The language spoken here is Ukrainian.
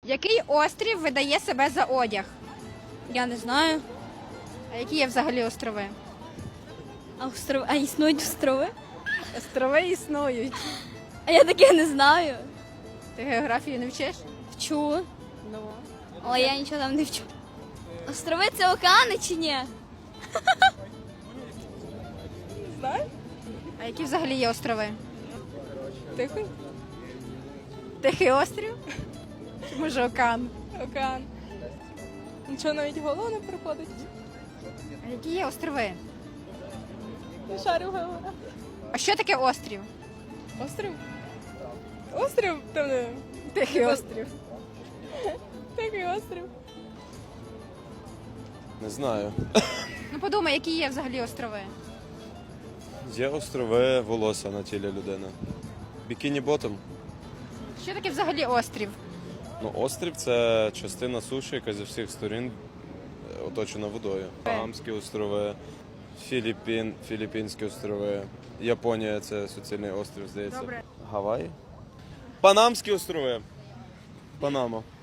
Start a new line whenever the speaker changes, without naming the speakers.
Який острів видає себе за одяг?
Я не знаю.
А які є взагалі острови?
А існують острови?
Острови існують.
А я таке не знаю.
Ти географію не вчиш?
Вчу,
Ну.
але я нічого там не вчу. Острови це океани чи ні?
А які взагалі є острови?
Тихий?
Тихий острів? Чи може океан?
Океан. Нічого навіть в голову не приходить.
А які є острови?
Не шарю в голову.
А що таке острів?
Острів? Острів? Там не...
Тихий острів.
Тихий острів.
Не знаю.
Ну подумай, які є взагалі острови?
Є острови волосся на тілі людини. Бікіні ботом.
Що таке взагалі острів?
Ну, острів це частина суші, яка зі всіх сторін оточена водою. Багамські острови, Філіппінські острови, Японія це суцільний острів, здається.
Добре.
Гаваї? Панамські острови. Панама.